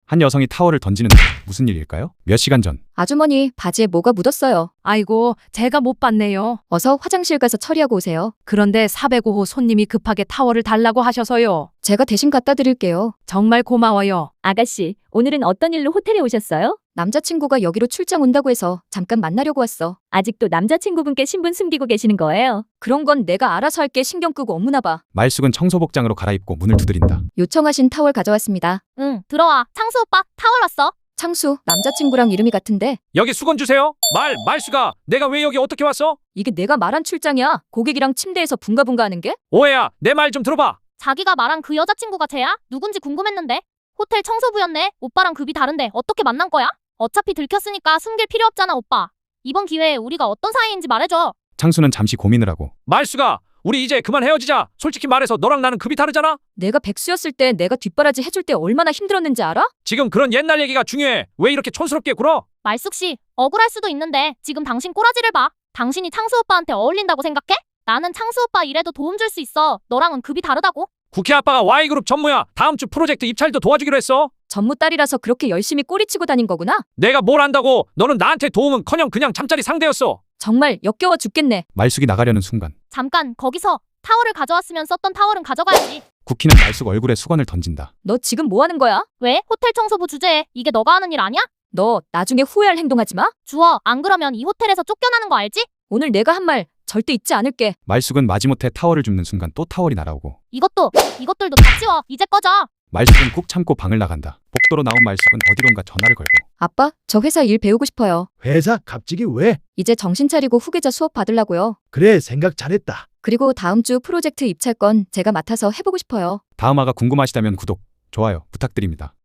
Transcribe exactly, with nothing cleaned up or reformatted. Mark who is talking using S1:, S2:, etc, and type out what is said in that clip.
S1: 한 여성이 타월을 던지는 무슨 일일까요? 몇 시간 전.
S2: 아주머니, 바지에 뭐가 묻었어요.
S3: 아이고, 제가 못 봤네요.
S2: 어서 화장실 가서 처리하고 오세요.
S3: 그런데 사백오 호 손님이 급하게 타월을 달라고 하셔서요.
S2: 제가 대신 갖다 드릴게요.
S3: 정말 고마워요.
S4: 아가씨, 오늘은 어떤 일로 호텔에 오셨어요?
S2: 남자친구가 여기로 출장 온다고 해서 잠깐 만나려고 왔어.
S4: 아직도 남자친구분께 신분 숨기고 계시는 거예요?
S2: 그런 건 내가 알아서 할게. 신경 끄고 업무나 봐.
S1: 말숙은 청소복장으로 갈아입고 문을 두드린다.
S2: 요청하신 타월 가져왔습니다.
S5: 응, 들어와. 창수 오빠, 타월 왔어.
S2: 창수, 남자친구랑 이름이 같은데
S6: 여기 수건 주세요. 말, 말수가 내가 왜 여기 어떻게 왔어?
S2: 이게 내가 말한 출장이야. 고객이랑 침대에서 붕가붕가 하는 게?
S6: 오해야, 내 말 좀 들어봐.
S5: 자기가 말한 그 여자친구가 쟤야? 누군지 궁금했는데. 호텔 청소부였네. 오빠랑 급이 다른데 어떻게 만난 거야? 어차피 들켰으니까 숨길 필요 없잖아, 오빠. 이번 기회에 우리가 어떤 사이인지 말해줘.
S1: 창수는 잠시 고민을 하고
S6: 말수가 우리 이제 그만 헤어지자. 솔직히 말해서 너랑 나는 급이 다르잖아.
S2: 내가 백수였을 때 내가 뒷바라지 해줄 때 얼마나 힘들었는지 알아?
S6: 지금 그런 옛날 얘기가 중요해. 왜 이렇게 촌스럽게 굴어?
S5: 말숙 씨, 억울할 수도 있는데 지금 당신 꼬라지를 봐. 당신이 창수 오빠한테 어울린다고 생각해? 나는 창수 오빠 일에도 도움 줄 수 있어. 너랑은 급이 다르다고.
S6: 국회 아빠가 Y그룹 전무야. 다음 주 프로젝트 입찰도 도와주기로 했어.
S2: 전무 딸이라서 그렇게 열심히 꼬리치고 다닌 거구나?
S6: 내가 뭘 안다고. 너는 나한테 도움은커녕 그냥 잠자리 상대였어.
S2: 정말 역겨워 죽겠네.
S1: 말숙이 나가려는 순간
S5: 잠깐, 거기서 타월을 가져왔으면 썼던 타월은 가져가야지.
S1: 쿠키는 말숙 얼굴에 수건을 던진다.
S2: 너 지금 뭐 하는 거야?
S5: 왜? 호텔 청소부 주제에 이게 너가 하는 일 아니야?
S2: 너 나중에 후회할 행동하지 마.
S5: 주워. 안 그러면 이 호텔에서 쫓겨나는 거 알지?
S2: 오늘 내가 한 말 절대 잊지 않을게.
S1: 말숙은 마지못해 타월을 줍는 순간 또 타월이 날아오고
S5: 이것도, 이것들도 다 치워. 이제 꺼져.
S1: 말숙은 꾹 참고 방을 나간다. 복도로 나온 말숙은 어디론가 전화를 걸고
S2: 아빠, 저 회사 일 배우고 싶어요.
S7: 회사 갑자기 왜?
S2: 이제 정신 차리고 후계자 수업 받으려고요.
S7: 그래, 생각 잘했다.
S2: 그리고 다음 주 프로젝트 입찰 건 제가 맡아서 해보고 싶어요.
S1: 다음화가 궁금하시다면 구독, 좋아요 부탁드립니다.